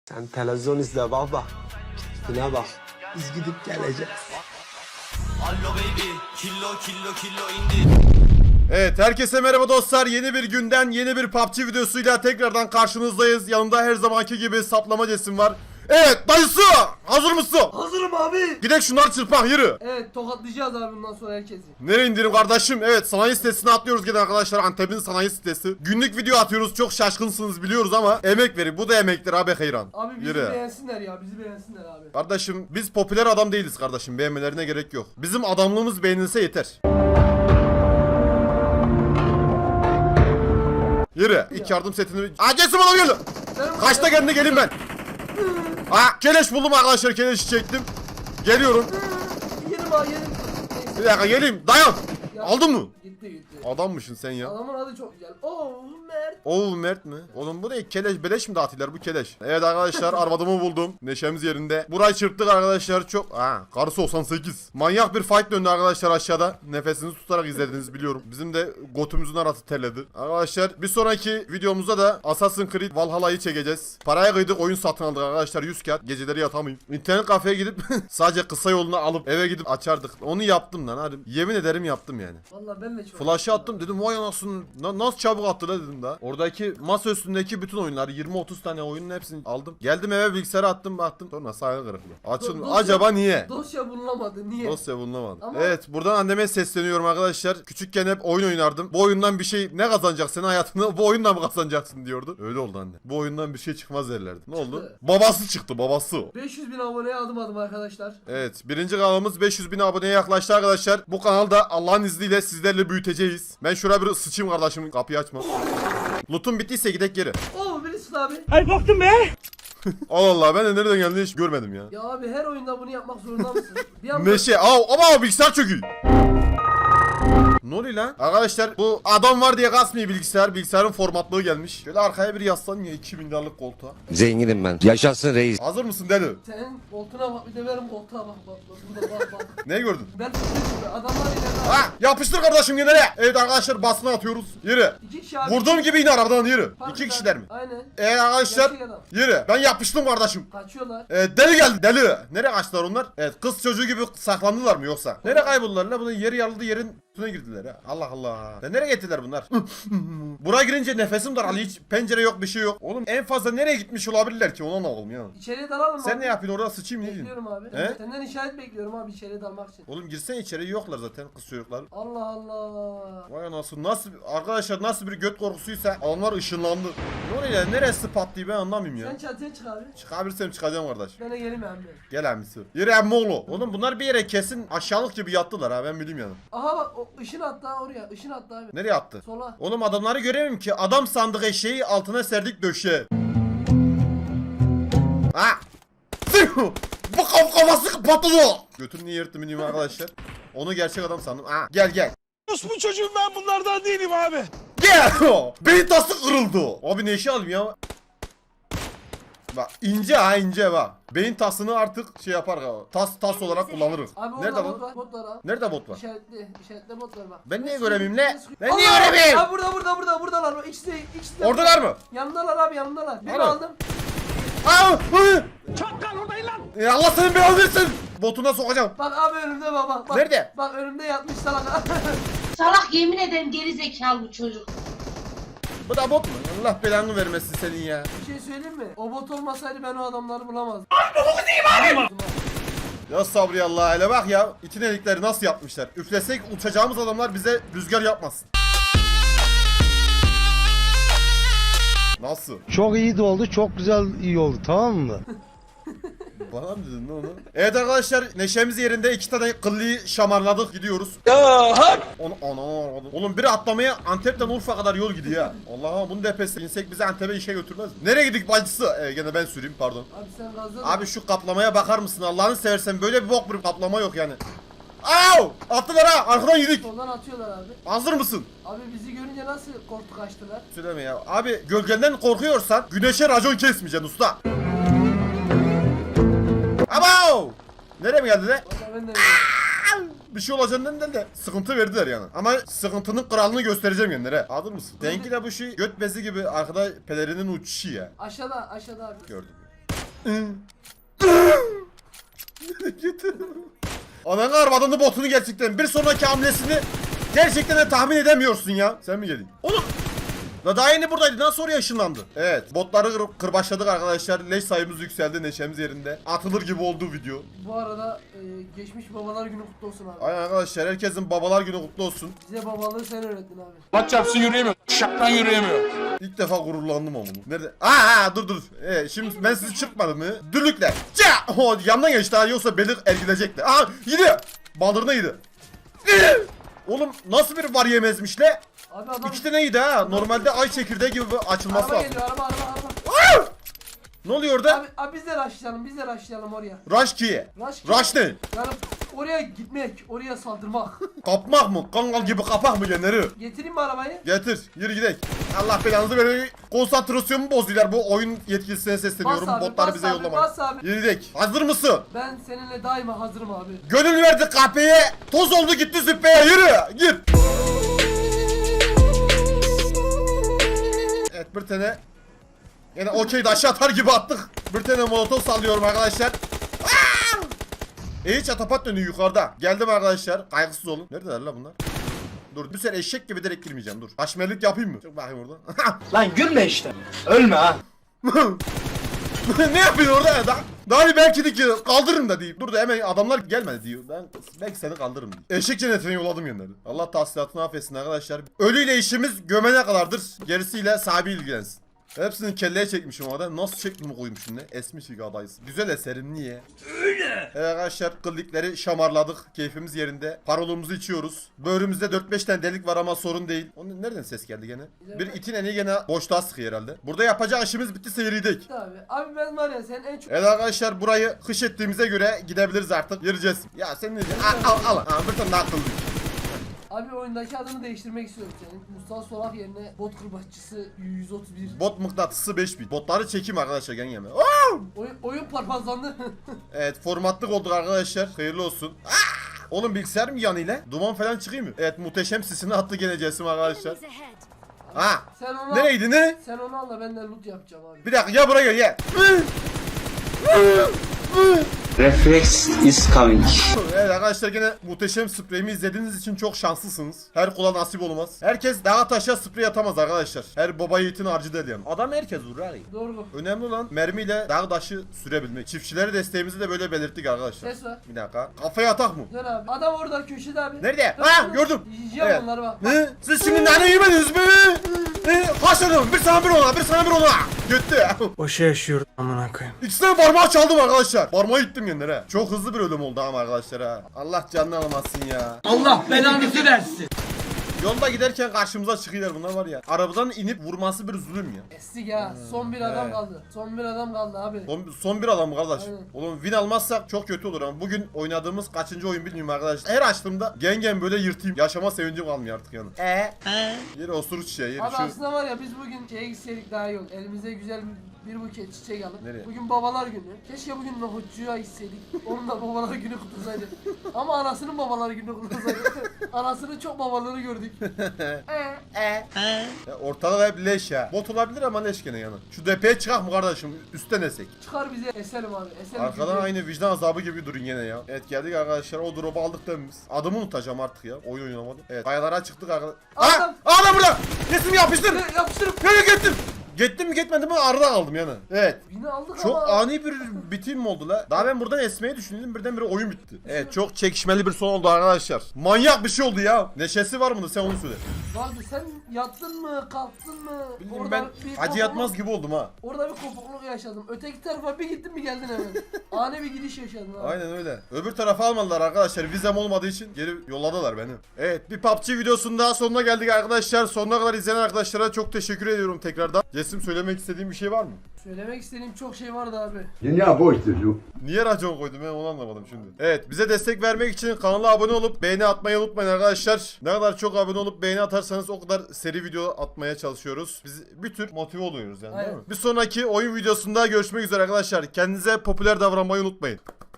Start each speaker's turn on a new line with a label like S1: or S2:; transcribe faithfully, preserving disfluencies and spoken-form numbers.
S1: Sen televizyon izle baba. Keyfine bak. Biz gidip geleceğiz.
S2: Allo baby, kilo kilo kilo indi.
S3: Evet, herkese merhaba dostlar. Yeni bir günden yeni bir P U B G videosuyla tekrardan karşınızdayız. Yanımda her zamanki gibi saplama cesim var. Evet dayısı, hazır mısın?
S4: Hazırım abi.
S3: Gidek şunları çırpak, yürü.
S4: Evet, tokatlayacağız abi bundan sonra herkesi.
S3: Nereye indirim kardeşim? Evet, sanayi sitesine atlıyoruz gene arkadaşlar. Antep'in sanayi sitesi. Günlük video atıyoruz, çok şaşkınsınız biliyoruz ama emek verin. Bu da emektir abi hayran.
S4: Abi bizi
S3: Yürü.
S4: beğensinler ya, bizi beğensinler abi.
S3: Kardeşim biz popüler adam değiliz kardeşim. Beğenmelerine gerek yok. Bizim adamlığımız beğenilse yeter. Yürü. İlk yardım setini... Aa Cesim bana geliyor. Kaçta kendine gelin ben. Aa keleş buldum arkadaşlar. Keleşi çektim. Geliyorum.
S4: Yerim abi, yerim. Neyse.
S3: Bir dakika geleyim. Dayan.
S4: Ya,
S3: Aldın mı?
S4: Gitti gitti.
S3: Adammışsın sen ya.
S4: Adamın adı çok güzel. Oo Mert.
S3: Oo Mert mi? Oğlum bu ne? Keleş beleş mi dağıtıyorlar bu keleş? Evet arkadaşlar arvadımı buldum. Neşemiz yerinde. Burayı çırptık arkadaşlar çok. Ha karısı doksan sekiz. Manyak bir fight döndü arkadaşlar aşağıda. Nefesinizi tutarak izlediniz biliyorum. Bizim de götümüzün arası terledi. Arkadaşlar bir sonraki videomuzda da Assassin's Creed Valhalla'yı çekeceğiz. Paraya kıydık, oyun satın aldık arkadaşlar, yüz kağıt. Geceleri yatamayayım. İnternet kafeye gidip sadece kısa yolunu alıp eve gidip açardık. Onu yaptım lan hadi. Yemin ederim yaptım yani.
S4: Vallahi ben de çok.
S3: Flash'ı attım dedim vay anasını na- nasıl çabuk attı la dedim daha. Oradaki masa üstündeki bütün oyunlar yirmi otuz tane oyunun hepsini aldım. Geldim eve bilgisayara attım baktım. Sonra sahil kırıklığı. Açın
S4: Dosya-
S3: acaba niye?
S4: Dosya bulunamadı. Niye?
S3: Dosya bulunamadı.
S4: Ama-
S3: Evet buradan anneme sesleniyorum arkadaşlar. Küçükken hep oyun oynardım. Bu oyundan bir şey ne kazanacaksın hayatında, bu oyundan mı kazanacaksın diyordu. Öyle oldu anne. Bu oyundan bir şey çıkmaz derlerdi. Ne oldu?
S4: Çıktı.
S3: Babası çıktı babası.
S4: beş yüz bin aboneye adım adım arkadaşlar.
S3: Evet birinci kanalımız beş yüz bin aboneye yaklaştı arkadaşlar. Bu kanalda Allah'ın izniyle sizlerle büyüteceğiz. Ben şuraya bir sıçayım kardeşim, kapıyı açma. Loot'un bittiyse gidek geri.
S4: Oo birisi abi.
S3: Allah Allah ben de nereden geldiğini hiç görmedim ya.
S4: Ya abi her oyunda bunu yapmak zorunda mısın? Bir anda...
S3: Neşe av ama bilgisayar çöküyor. Ne oluyor lan? Arkadaşlar bu adam var diye kasmıyor bilgisayar. Bilgisayarın formatlığı gelmiş. Şöyle arkaya bir yaslan ya iki bin liralık koltuğa.
S5: Zenginim ben. Yaşasın reis.
S3: Hazır mısın deli?
S4: Senin koltuğuna bak, bir de benim koltuğa bak bak bak. Burada bak bak.
S3: Ne gördün?
S4: Ben tutuyorum. Adamlar ileride.
S3: Ha yapıştır kardeşim gene. Evet arkadaşlar basına atıyoruz. Yürü.
S4: İki kişi abi.
S3: Vurduğum gibi iner arabadan yürü.
S4: Fark
S3: İki
S4: eder.
S3: kişiler mi?
S4: Aynen.
S3: Evet arkadaşlar
S4: Gerçek adam.
S3: yürü. Ben yapıştım kardeşim.
S4: Kaçıyorlar.
S3: Ee, deli geldi deli. Nereye kaçtılar onlar? Evet kız çocuğu gibi saklandılar mı yoksa? Nereye kayboldular la? Bunun yeri yarıldı, yerin üstüne girdiler ya. Allah Allah. Ya nereye gittiler bunlar? Buraya girince nefesim daraldı. Hiç pencere yok, bir şey yok. Oğlum en fazla nereye gitmiş olabilirler ki? Ona ne oğlum ya?
S4: İçeriye dalalım
S3: Sen
S4: abi.
S3: ne yapıyorsun orada, sıçayım ne diyorsun?
S4: Bekliyorum abi.
S3: He?
S4: Senden işaret bekliyorum abi içeriye dalmak için.
S3: Oğlum girsene içeri, yoklar zaten kız çocuklar.
S4: Allah Allah.
S3: Vay anasını, nasıl arkadaşlar, nasıl bir göt korkusuysa onlar ışınlandı. Ne oluyor ya, neresi patlıyor ben anlamıyorum ya.
S4: Sen çatıya çık abi.
S3: Çıkabilirsem çıkacağım kardeş.
S4: Ben de geleyim abi.
S3: Gel amisi. Yürü emmi oğlu. Oğlum bunlar bir yere kesin aşağılık gibi yattılar ha, ben bileyim yani.
S4: Aha bak o ışın attı ha oraya. Işın attı abi.
S3: Nereye attı?
S4: Sola.
S3: Oğlum adamları göremiyorum ki. Adam sandık eşeği altına serdik döşe. Ha! Bu kaf kafası patladı. Götünü niye yırttım bilmiyorum arkadaşlar. Onu gerçek adam sandım. Ha gel gel.
S6: Bu çocuğum, ben bunlardan değilim abi.
S3: Gel. Beyin tası kırıldı. Abi ne işe alayım ya? Bak ince ha ince bak. Beyin tasını artık şey yapar ha. Tas tas olarak kullanırız.
S4: Abi
S3: Nerede
S4: orada bot
S3: bu?
S4: var. Bot var abi.
S3: Nerede bot var?
S4: İşaretli. İşaretli bot var bak.
S3: Ben niye
S4: Ben
S3: göremeyeyim
S4: sıkıyorum,
S3: ne?
S4: sıkıyorum.
S3: Ben niye
S4: Allah!
S3: göremeyeyim?
S4: Abi burada burada burada buradalar. O ikisi de ikisi de.
S3: Oradalar mı?
S4: Yanındalar abi yanındalar. Birini
S3: Alo.
S4: aldım.
S3: Aa! Hı! Ya Allah senin belanı versin. Botuna sokacağım.
S4: Bak abi önümde bak bak. bak.
S3: Nerede?
S4: Bak önümde yatmış salak.
S7: Salak, yemin ederim geri zekalı bu çocuk.
S3: Bu da bot mu? Allah belanı vermesin senin ya.
S4: Bir şey söyleyeyim mi? O bot olmasaydı ben o adamları bulamazdım.
S3: Ya sabri Allah, hele bak ya. İtin elikleri nasıl yapmışlar. Üflesek uçacağımız adamlar bize rüzgar yapmasın. Nasıl?
S8: Çok iyi de oldu, çok güzel iyi oldu, tamam mı?
S3: Bana mı dedin lan onu? Evet arkadaşlar neşemiz yerinde, iki tane kıllıyı şamarladık, gidiyoruz. Onu, ana, oğlum biri atlamaya Antep'ten Urfa kadar yol gidiyor ya. Allah'ım bunu depesi insek bizi Antep'e işe götürmez mi? Nereye gidik bacısı? Ee, gene ben süreyim pardon.
S4: Abi sen gazla.
S3: Abi şu kaplamaya bakar mısın Allah'ını seversen, böyle bir bok bir kaplama yok yani. Au! Attılar ha, arkadan yedik.
S4: Soldan atıyorlar abi.
S3: Hazır mısın?
S4: Abi bizi görünce nasıl korktu kaçtılar?
S3: Söyleme ya. Abi gölgenden korkuyorsan güneşe racon kesmeyeceksin usta. Abo! Nereye mi geldi de?
S4: Valla ben de
S3: Bir şey olacağından değil de sıkıntı verdiler yani. Ama sıkıntının kralını göstereceğim kendilere. Hazır mısın? Denki de bu şey göt bezi gibi arkada pelerinin uçuşu ya.
S4: aşağıda aşağıda abi.
S3: Gördüm. Ananı arvadını botunu gerçekten bir sonraki hamlesini gerçekten de tahmin edemiyorsun ya. Sen mi geldin? Oğlum. La daha yeni buradaydı. Nasıl oraya ışınlandı? Evet. Botları kır kırbaçladık arkadaşlar. Leş sayımız yükseldi. Neşemiz yerinde. Atılır gibi oldu video.
S4: Bu arada e, geçmiş babalar günü kutlu olsun abi.
S3: Aynen arkadaşlar. Herkesin babalar günü kutlu olsun.
S4: Bize babalığı sen öğrettin abi.
S6: Maç yapsın yürüyemiyor. Şaktan yürüyemiyor.
S3: İlk defa gururlandım ama bunu. Nerede? Aa, aa dur dur. Ee, şimdi ben sizi çıkmadım mı? Dürlükle. Ça! Oh, yandan geçti ha. Yoksa belir ergilecekti. Aa gidiyor. Baldırına yedi. Oğlum nasıl bir var yemezmiş le?
S4: Abi adam...
S3: İki tane yedi ha. Normalde ay çekirdeği gibi açılması
S4: Araba
S3: lazım.
S4: geliyor araba araba araba.
S3: Ne oluyor orada?
S4: Abi, abi biz de rushlayalım biz de rushlayalım oraya.
S3: Rush kiye.
S4: Rush,
S3: Rush ne?
S4: Yani oraya gitmek, oraya saldırmak.
S3: Kapmak mı? Kangal gibi kapak mı genleri?
S4: Getireyim mi arabayı?
S3: Getir. Yürü gidelim. Allah belanızı verin. Konsantrasyonumu bozuyorlar. Bu oyun yetkilisine sesleniyorum.
S4: Bas abi,
S3: Botları
S4: bas
S3: bize
S4: abi,
S3: yollamayın.
S4: bas abi.
S3: Yürü gidelim. Hazır mısın?
S4: Ben seninle daima hazırım abi.
S3: Gönül verdi kahpeye. Toz oldu gitti züppeye. Yürü. Gir. Evet bir tane. Yine okey de aşağı atar gibi attık. Bir tane molotof sallıyorum arkadaşlar. Aa! E çatapat dönüyor yukarıda. Geldim arkadaşlar. Kaygısız olun. Neredeler la bunlar? Dur bir sene eşek gibi direkt girmeyeceğim dur. Haşmerlik yapayım mı? Çok bakayım orada.
S1: Lan gülme işte. Ölme ha.
S3: Ne yapıyorsun orada ya? Daha, daha bir belki de ki kaldırırım da deyip. Dur da hemen adamlar gelmedi diyor. Ben belki seni kaldırırım diyor. Eşek cennetine yolladım yönleri. Allah tahsilatını affetsin arkadaşlar. Ölüyle işimiz gömene kadardır. Gerisiyle sahibi ilgilensin. Hepsini kelleye çekmişim orada. Nasıl şeklimi koymuşum ne? Esmiş bir adayız. Güzel eserim niye? Öyle. Evet arkadaşlar kıllıkları şamarladık. Keyfimiz yerinde. Parolumuzu içiyoruz. Böğrümüzde dört beş tane delik var ama sorun değil. Onun nereden ses geldi gene? Bir itin eni gene boşluğa sıkıyor herhalde. Burada yapacak işimiz bitti seyirdik.
S4: Abi, abi ben var ya sen en çok...
S3: Evet arkadaşlar burayı kış ettiğimize göre gidebiliriz artık. Yürüyeceğiz. Ya sen ne diyorsun? Al al al. Aa, bir tane daha kıllık.
S4: Abi oyundaki adını değiştirmek istiyorum senin. Mustafa Solak yerine bot kırbaççısı yüz otuz bir.
S3: Bot mıknatısı beş bin. Botları çekeyim arkadaşlar gel yeme.
S4: Oyun, oyun parpazlandı.
S3: Evet formatlık olduk arkadaşlar. Hayırlı olsun. Aa! Oğlum bilgisayar mı yanıyla? Duman falan çıkıyor mu? Evet muhteşem sisini attı gene Cesim arkadaşlar. Ha.
S4: Sen onu
S3: Nereydi ne?
S4: Sen onu al da ben de loot yapacağım abi.
S3: Bir dakika ya buraya gel gel.
S1: Reflex is coming.
S3: Evet arkadaşlar gene muhteşem spreyimi izlediğiniz için çok şanslısınız. Her kula nasip olmaz. Herkes dağa taşa sprey atamaz arkadaşlar. Her baba yiğitin harcı değil yani. Adam herkes vurur abi.
S4: Doğru.
S3: Önemli olan mermiyle dağ taşı sürebilmek. Çiftçilere desteğimizi de böyle belirttik arkadaşlar.
S4: Ses var.
S3: Bir dakika. Kafaya atak mı?
S4: Dön abi. Adam orada köşede abi.
S3: Nerede?
S4: Dön,
S3: Ha
S4: dön.
S3: gördüm.
S4: Yiyeceğim
S3: Evet.
S4: onları bak.
S3: Ne? Siz şimdi nane yemediniz mi? Ne? Haşladım. Bir sana bir ona, bir sana bir ona. Gitti.
S9: Boşa yaşıyorum amına koyayım.
S3: İkisine parmağı çaldım arkadaşlar. Parmağı ittim yenilere. Çok hızlı bir ölüm oldu ama arkadaşlar ha. Allah canını almasın ya.
S4: Allah belanızı versin.
S3: Yolda giderken karşımıza çıkıyorlar bunlar var ya. Arabadan inip vurması bir zulüm ya.
S4: Estik ya. Son bir adam
S3: Evet.
S4: kaldı. Son bir adam kaldı abi.
S3: Son, son bir adam mı kardeş?
S4: Aynen.
S3: Oğlum win almazsak çok kötü olur ama bugün oynadığımız kaçıncı oyun bilmiyorum arkadaşlar. Her açtığımda gen gen böyle yırtayım. Yaşama sevincim kalmıyor artık yani. Eee? Yeri osuru çiçeği yeri
S4: Abi
S3: şu.
S4: aslında var ya biz bugün şeye gitseydik daha iyi olur. Elimize güzel bir buket çiçek alıp.
S3: Nereye?
S4: Bugün babalar günü. Keşke bugün nohutçuya gitseydik. Onun da babalar günü kutlasaydı. Ama anasının babalar günü kutlasaydı. Anasının çok babaları gördük. Eee.
S3: Ya ortada da hep leş ya. Bot olabilir ama leş gene yani. Şu depeye çıkak mı kardeşim? Üstten esek.
S4: Çıkar bize eselim abi. Eselim.
S3: Arkadan
S4: çünkü-
S3: aynı vicdan azabı gibi durun gene ya. Evet geldik arkadaşlar. O drop'u aldık da biz. Adımı unutacağım artık ya. Oyun oynamadım. Evet kayalara çıktık arkadaşlar.
S4: Adam-
S3: Aa! Adam burada! Kesim yapıştır!
S4: Ne, yapıştırıp.
S3: Nereye gittim? Gittim mi gitmedim mi arada kaldım yani. Evet.
S4: Bini aldık
S3: Çok
S4: ama.
S3: ani bir bitim mi oldu la? Daha ben buradan esmeyi düşündüm birdenbire oyun bitti. Evet çok çekişmeli bir son oldu arkadaşlar. Manyak bir şey oldu ya. Neşesi var mı sen onu söyle.
S4: Vardı sen yattın mı kalktın mı?
S3: Bilmiyorum ben
S4: bir
S3: acı
S4: kopukluk-
S3: yatmaz gibi oldum ha.
S4: Orada bir kopukluk yaşadım. Öteki tarafa bir gittin mi geldin hemen. Ani bir gidiş yaşadın abi.
S3: Aynen öyle. Öbür tarafa almadılar arkadaşlar. Vizem olmadığı için geri yolladılar beni. Evet bir P U B G videosunun daha sonuna geldik arkadaşlar. Sonuna kadar izleyen arkadaşlara çok teşekkür ediyorum tekrardan. Cesim söylemek istediğim bir şey var mı?
S4: Söylemek istediğim çok şey vardı abi.
S10: Dünya boş çocuk.
S3: Niye racon koydum ben onu anlamadım şimdi. Evet bize destek vermek için kanala abone olup beğeni atmayı unutmayın arkadaşlar. Ne kadar çok abone olup beğeni atarsanız o kadar seri video atmaya çalışıyoruz. Biz bir tür motive oluyoruz yani değil
S4: Aynen.
S3: mi? Bir sonraki oyun videosunda görüşmek üzere arkadaşlar. Kendinize popüler davranmayı unutmayın.